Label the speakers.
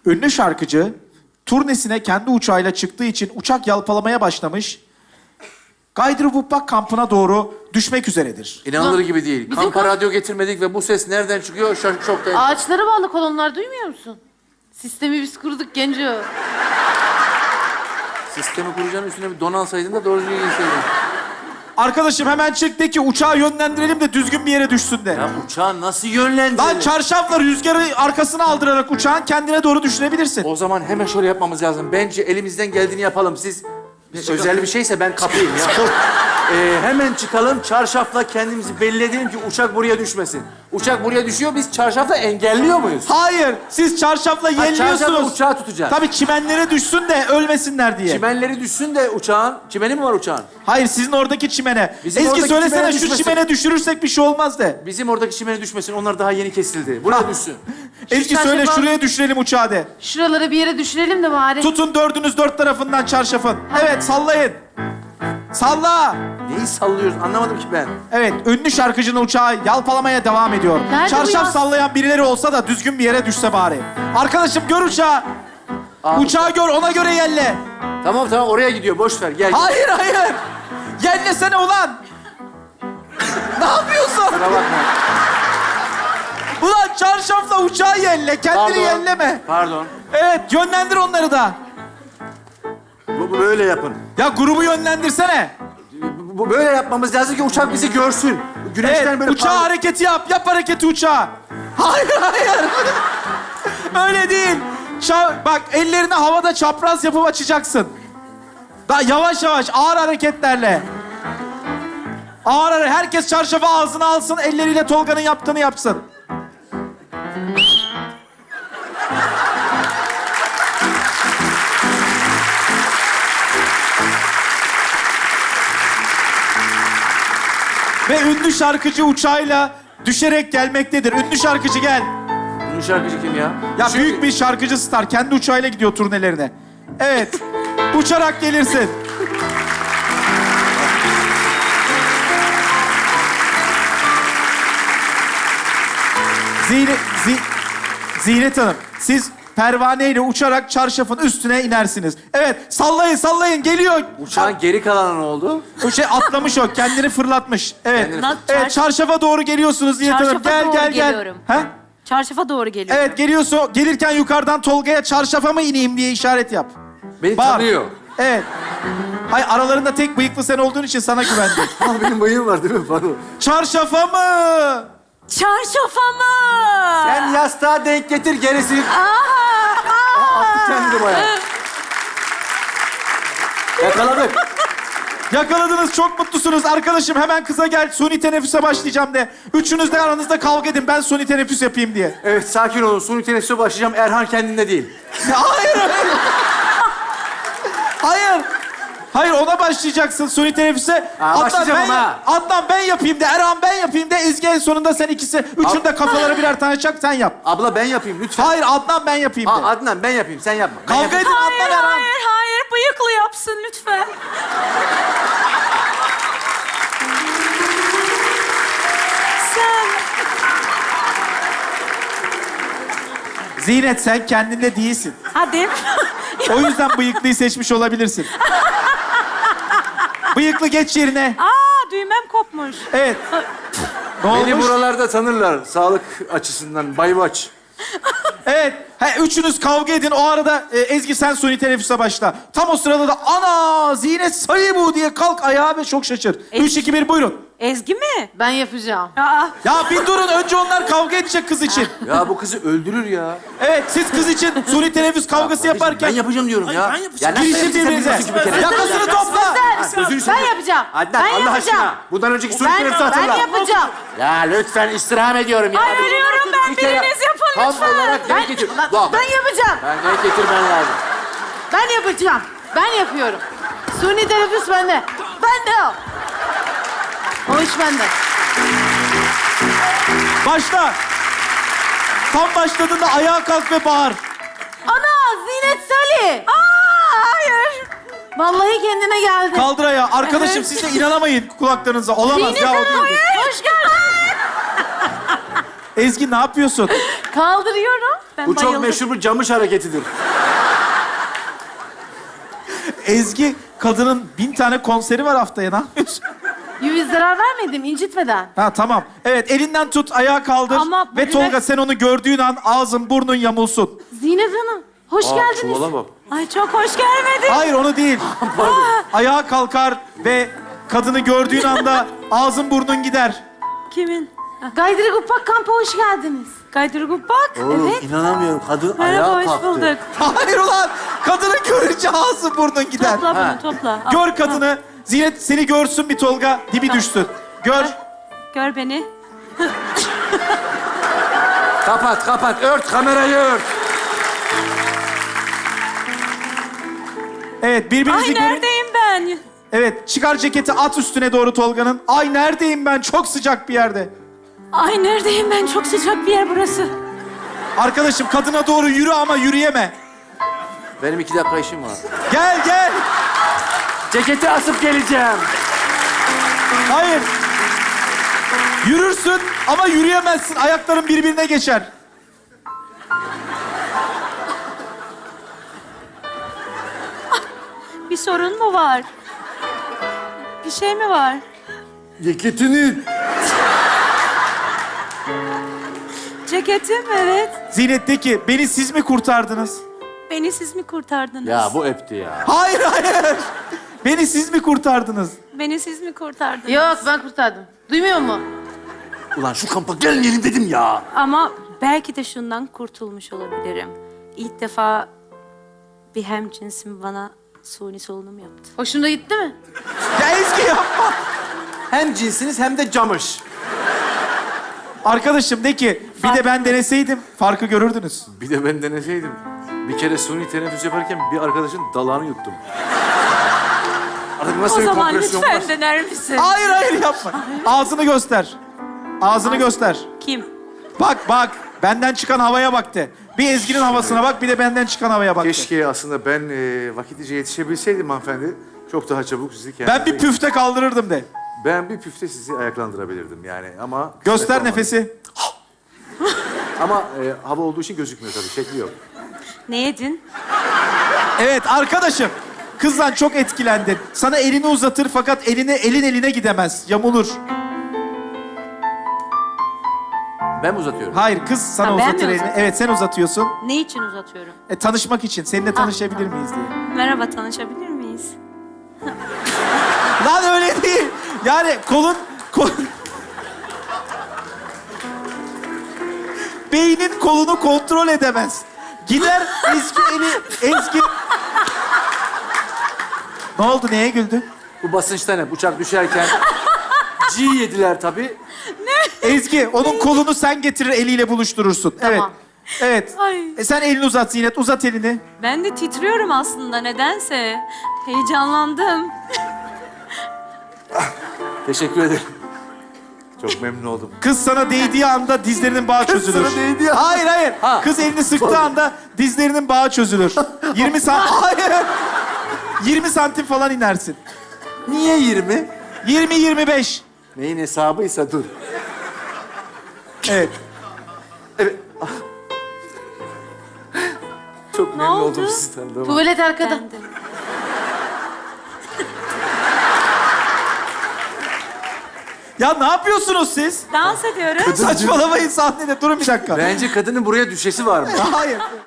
Speaker 1: Ünlü şarkıcı turnesine kendi uçağıyla çıktığı için uçak yalpalamaya başlamış. Gaydruvuppak kampına doğru düşmek üzeredir.
Speaker 2: İnanılır gibi değil.
Speaker 3: Bizim
Speaker 2: Kampa
Speaker 3: kamp-
Speaker 2: radyo getirmedik ve bu ses nereden çıkıyor? Şoktayım.
Speaker 3: Ağaçlara bağlı kolonlar duymuyor musun? Sistemi biz kurduk Genco.
Speaker 2: Sistemi kuracağın üstüne bir don alsaydın da doğru düzgün gitseydin.
Speaker 1: Arkadaşım hemen çık de ki uçağı yönlendirelim de düzgün bir yere düşsün de.
Speaker 2: Ya uçağı nasıl yönlendirelim?
Speaker 1: Lan çarşafla rüzgarı arkasına aldırarak uçağın kendine doğru düşürebilirsin.
Speaker 2: O zaman hemen şöyle yapmamız lazım. Bence elimizden geldiğini yapalım. Siz özel bir şeyse ben kapayım ya. Hemen çıkalım, çarşafla kendimizi belli edelim ki uçak buraya düşmesin. Uçak buraya düşüyor, biz çarşafla engelliyor muyuz?
Speaker 1: Hayır, siz çarşafla
Speaker 2: Çarşafla
Speaker 1: yelliyorsunuz.
Speaker 2: uçağı tutacağız.
Speaker 1: Tabii çimenlere düşsün de ölmesinler diye.
Speaker 2: Çimenleri düşsün de uçağın... Çimeni mi var uçağın?
Speaker 1: Hayır, sizin oradaki çimene.
Speaker 2: Bizim
Speaker 1: Ezgi
Speaker 2: oradaki
Speaker 1: söylesene
Speaker 2: çimene
Speaker 1: şu
Speaker 2: düşmesin.
Speaker 1: çimene düşürürsek bir şey olmaz de.
Speaker 2: Bizim oradaki çimeni düşmesin, onlar daha yeni kesildi. Buraya düşsün.
Speaker 1: Ezgi
Speaker 3: çarşafa-
Speaker 1: söyle şuraya düşürelim uçağı de.
Speaker 3: Şuralara bir yere düşürelim de bari.
Speaker 1: Tutun dördünüz dört tarafından çarşafın. Evet, sallayın. Salla.
Speaker 2: Neyi sallıyoruz anlamadım ki ben.
Speaker 1: Evet, ünlü şarkıcının uçağı yalpalamaya devam ediyor.
Speaker 3: Nerede bu
Speaker 1: Çarşaf
Speaker 3: ya?
Speaker 1: sallayan birileri olsa da düzgün bir yere düşse bari. Arkadaşım gör uçağı.
Speaker 2: Abi.
Speaker 1: Uçağı gör, ona göre yelle.
Speaker 2: Tamam oraya gidiyor, boş ver gel.
Speaker 1: Hayır, hayır. Yellesene ulan. Ne yapıyorsun?
Speaker 2: Kusura bakma.
Speaker 1: Ulan çarşafla uçağı yelle, kendini yelleme.
Speaker 2: Pardon.
Speaker 1: Evet, yönlendir onları da.
Speaker 2: Bu böyle yapın.
Speaker 1: Ya grubu yönlendirsene.
Speaker 2: Bu böyle yapmamız lazım ki uçak bizi görsün. Güneşten
Speaker 1: Evet,
Speaker 2: böyle
Speaker 1: uçağı hareketi yap. Yap hareketi uçağa. Hayır, hayır. Öyle değil. Bak, ellerini havada çapraz yapıp açacaksın. Daha yavaş yavaş, ağır hareketlerle. Ağır ağır. Herkes çarşafı ağzına alsın, elleriyle Tolga'nın yaptığını yapsın. Ve ünlü şarkıcı uçağıyla düşerek gelmektedir. Ünlü şarkıcı gel.
Speaker 2: Ünlü şarkıcı kim ya?
Speaker 1: Ya büyük bir şarkıcı star. Kendi uçağıyla gidiyor turnelerine. Evet. Uçarak gelirsin. Zinet Hanım, siz pervaneyle uçarak çarşafın üstüne inersiniz. Evet, sallayın, sallayın. Geliyor.
Speaker 2: Uçağın geri kalanı ne oldu?
Speaker 1: O şey atlamış o, kendini fırlatmış. Evet,
Speaker 2: Kendini-
Speaker 1: evet çarşafa doğru geliyorsunuz Zinet Hanım.
Speaker 4: Çarşafa
Speaker 1: Gel,
Speaker 4: doğru
Speaker 1: gel, gel.
Speaker 4: geliyorum.
Speaker 1: Ha?
Speaker 4: Çarşafa doğru geliyor.
Speaker 1: Evet, geliyorsun. Gelirken yukarıdan Tolga'ya çarşafa mı ineyim diye işaret yap.
Speaker 2: Beni
Speaker 1: Bağır.
Speaker 2: tanıyor.
Speaker 1: Evet. Hayır, aralarında tek bıyıklı sen olduğun için sana güvendim.
Speaker 2: Aa, benim bıyığım var değil mi? Pardon.
Speaker 1: Çarşafa mı?
Speaker 4: Çarşafa mı?
Speaker 2: Sen yastığa denk getir gerisi. Attı kendini bayağı. Yakaladık.
Speaker 1: Yakaladınız, çok mutlusunuz. Arkadaşım hemen kıza gel, suni teneffüse başlayacağım de. Üçünüz de aranızda kavga edin, ben suni teneffüs yapayım diye.
Speaker 2: Evet sakin olun. Suni teneffüse başlayacağım. Erhan kendinde değil.
Speaker 1: Hayır, hayır. Hayır. Hayır, ona başlayacaksın suni teneffüse.
Speaker 2: başlayacağım ama.
Speaker 1: Adnan ben yapayım de, Erhan ben yapayım de, Ezgi en sonunda sen ikisi. Üçün de kafalara birer tane çak, sen yap.
Speaker 2: Abla ben yapayım lütfen.
Speaker 1: Hayır, Adnan ben yapayım de.
Speaker 2: Adnan ben yapayım. Sen yapma. Ben
Speaker 1: Kavga
Speaker 2: yapayım.
Speaker 1: edin
Speaker 4: Hayır,
Speaker 1: Adnan, Erhan.
Speaker 4: hayır, hayır. Bıyıklı yapsın lütfen. Sen.
Speaker 1: Zinet, sen kendinde değilsin.
Speaker 4: Hadi.
Speaker 1: O yüzden bıyıklıyı seçmiş olabilirsin. Bıyıklı geç yerine.
Speaker 4: Aa, düğmem kopmuş.
Speaker 1: Evet. Ne
Speaker 2: Beni
Speaker 1: olmuş?
Speaker 2: buralarda tanırlar. Sağlık açısından. Baybaç.
Speaker 1: Evet. Üçünüz kavga edin. O arada Ezgi sen suni teneffüse başla. Tam o sırada da ana Zinet sayı bu diye kalk ayağa ve çok şaşır. 3, 2, 1 buyurun.
Speaker 4: Ezgi mi?
Speaker 3: Ben yapacağım.
Speaker 4: Aa,
Speaker 1: Ya bir durun. Önce onlar kavga edecek kız için.
Speaker 2: Ya bu kızı öldürür ya.
Speaker 1: Evet, siz kız için suni teneffüs kavgası
Speaker 2: Ben
Speaker 1: yaparken
Speaker 2: yapacağım diyorum ya.
Speaker 5: ben yapacağım.
Speaker 2: Ya
Speaker 1: girişin birbirinize. Yakasını topla.
Speaker 2: Sözünü
Speaker 3: Ben yapacağım.
Speaker 2: Adnan
Speaker 3: Ben
Speaker 2: Allah
Speaker 3: yapacağım.
Speaker 2: aşkına. Bundan önceki suni
Speaker 3: Ben
Speaker 2: teneffüsü hatırla.
Speaker 3: yapacağım.
Speaker 2: Ya lütfen istirham ediyorum ya.
Speaker 4: ay ölüyorum ben.
Speaker 2: Bir kere
Speaker 4: Biriniz yapın
Speaker 2: tam
Speaker 4: lütfen.
Speaker 2: olarak denk getir. Bak,
Speaker 3: Ben yapacağım.
Speaker 2: ben denk getirmen lazım.
Speaker 3: Ben yapacağım. Ben yapıyorum. Suni teneffüs bende. Bende o. O iş bende.
Speaker 1: Başla. Tam başladığında ayağa kalk ve bağır.
Speaker 3: Ana Zinet Salih.
Speaker 4: Aa, hayır.
Speaker 3: Vallahi kendine geldi.
Speaker 1: Kaldır ayağı. Arkadaşım
Speaker 3: Evet.
Speaker 1: siz de inanamayın kulaklarınıza. Olamaz
Speaker 3: Zinet
Speaker 1: ya, o
Speaker 3: Hanım,
Speaker 1: değil.
Speaker 3: hoş geldin.
Speaker 1: Ezgi ne yapıyorsun?
Speaker 3: Kaldırıyorum.
Speaker 4: Ben
Speaker 2: Bu çok
Speaker 4: bayıldım.
Speaker 2: meşhur bir camış hareketidir.
Speaker 1: Ezgi, kadının 1000 tane konseri var haftaya. Ne yapıyorsun?
Speaker 3: Yüz zarar vermedim, incitmeden.
Speaker 1: Ha tamam. Evet, elinden tut, ayağa kaldır.
Speaker 4: Ama
Speaker 1: Ve
Speaker 4: bu
Speaker 1: Tolga
Speaker 4: biraz-
Speaker 1: sen onu gördüğün an ağzın burnun yamulsun.
Speaker 3: Zinet Hanım, hoş geldiniz.
Speaker 2: Çuvala bak.
Speaker 4: Ay çok hoş gelmedin.
Speaker 1: Hayır, onu değil. Ayağa kalkar ve kadını gördüğün anda ağzın burnun gider.
Speaker 4: Kimin?
Speaker 3: Gaydırı Gupak kampı hoş geldiniz.
Speaker 4: Gaydırgup bak.
Speaker 2: Oğlum
Speaker 3: Evet.
Speaker 2: inanamıyorum. Kadın
Speaker 4: Merhaba,
Speaker 2: ayağa
Speaker 4: hoş
Speaker 2: kalktı.
Speaker 4: bulduk.
Speaker 1: Hayır ulan! Kadını görünce ağzın burnun gider.
Speaker 4: Topla
Speaker 2: Ha.
Speaker 4: bunu, topla. Al,
Speaker 1: Gör kadını. Zinet seni görsün bir Tolga. Dibi düşsün. Gör.
Speaker 4: Gör beni.
Speaker 2: Kapat, kapat. Ört, kamerayı ört.
Speaker 1: Evet, birbirinizi
Speaker 4: Ay
Speaker 1: görün.
Speaker 4: neredeyim ben?
Speaker 1: Evet, çıkar ceketi at üstüne doğru Tolga'nın. Ay neredeyim ben? Çok sıcak bir yerde.
Speaker 4: Ay neredeyim ben? Çok sıcak bir yer burası.
Speaker 1: Arkadaşım kadına doğru yürü ama yürüyeme.
Speaker 2: Benim 2 dakika işim var.
Speaker 1: Gel gel.
Speaker 2: Ceketi asıp geleceğim.
Speaker 1: Hayır. Yürürsün ama yürüyemezsin. Ayakların birbirine geçer.
Speaker 4: Bir sorun mu var? Bir şey mi var?
Speaker 2: Ceketini.
Speaker 4: Ceketim, evet.
Speaker 1: Zinet de ki beni siz mi kurtardınız?
Speaker 4: Beni siz mi kurtardınız?
Speaker 2: Ya bu öptü ya.
Speaker 1: Hayır hayır. Beni siz mi kurtardınız?
Speaker 4: Beni siz mi kurtardınız?
Speaker 3: Yok, ben kurtardım. Duymuyor mu?
Speaker 2: Ulan şu kampa gelmeyelim dedim ya.
Speaker 4: Ama belki de şundan kurtulmuş olabilirim. İlk defa bir hemcinsim bana suni solunum yaptı.
Speaker 3: Hoşuna gitti mi?
Speaker 1: Ya Ezgi yapma.
Speaker 2: Hem cinsiniz hem de camış.
Speaker 1: Arkadaşım de ki bir de ben deneseydim farkı görürdünüz.
Speaker 2: Bir de ben deneseydim. Bir kere suni teneffüs yaparken bir arkadaşın dalağını yuttum. Artık nasıl
Speaker 4: O
Speaker 2: bir
Speaker 4: zaman
Speaker 2: kompresyon var?
Speaker 4: lütfen dener misin?
Speaker 1: Hayır hayır yapma. Ağzını göster. Ağzını göster.
Speaker 4: Kim?
Speaker 1: Bak bak. Benden çıkan havaya baktı. Bir Ezgi'nin havasına bak, bir de benden çıkan havaya baktı.
Speaker 2: Keşke aslında ben vakitlice yetişebilseydim hanımefendi. Çok daha çabuk sizi
Speaker 1: Ben
Speaker 2: kendinize...
Speaker 1: bir püfte kaldırırdım de.
Speaker 2: Ben bir püfte sizi ayaklandırabilirdim yani ama...
Speaker 1: Göster
Speaker 2: olmadı.
Speaker 1: nefesi.
Speaker 2: Ama hava olduğu için gözükmüyor tabii, şekli yok.
Speaker 4: Ne yedin?
Speaker 1: Evet arkadaşım. Kızdan çok etkilendin. Sana elini uzatır fakat elin eline gidemez. Yamulur.
Speaker 2: Ben mi uzatıyorum?
Speaker 1: Hayır, kız sana
Speaker 4: Ha, ben
Speaker 1: uzatır
Speaker 4: mi
Speaker 1: elini.
Speaker 4: uzatıyorum?
Speaker 1: Evet, sen uzatıyorsun.
Speaker 4: Ne için uzatıyorum?
Speaker 1: Tanışmak için. Seninle tanışabilir miyiz diye.
Speaker 4: Merhaba, tanışabilir miyiz?
Speaker 1: Lan öyle değil. Yani kolun... Beynin kolunu kontrol edemez. Gider Ezgi... Ne oldu? Neye güldün?
Speaker 2: Bu basınçtan hep uçak düşerken... G yediler tabii.
Speaker 1: Ezgi, onun kolunu sen getirir, eliyle buluşturursun.
Speaker 3: Tamam.
Speaker 1: Evet.
Speaker 4: Ay.
Speaker 1: Sen elini uzat Zinet, uzat elini.
Speaker 4: Ben de titriyorum aslında nedense. Heyecanlandım.
Speaker 2: Teşekkür ederim. Çok memnun oldum.
Speaker 1: Kız sana değdiği anda dizlerinin bağı çözülür.
Speaker 2: sana değdiği anda-
Speaker 1: Hayır, hayır.
Speaker 2: Ha.
Speaker 1: Kız elini sıktığı anda dizlerinin bağı çözülür. 20 santim... Hayır. 20 santim falan inersin.
Speaker 2: Niye 20?
Speaker 1: 20-25.
Speaker 2: Neyin hesabıysa dur.
Speaker 1: Evet.
Speaker 2: Evet. Çok memnun
Speaker 4: oldu?
Speaker 2: oldum sizi tanıdığıma.
Speaker 3: Tuvalet arkada.
Speaker 4: Ben de.
Speaker 1: Ya ne yapıyorsunuz siz?
Speaker 4: Dans ediyoruz.
Speaker 1: Saçmalamayın sahnede. Durun bir dakika.
Speaker 2: Bence kadının buraya düşesi var mı?
Speaker 1: Hayır.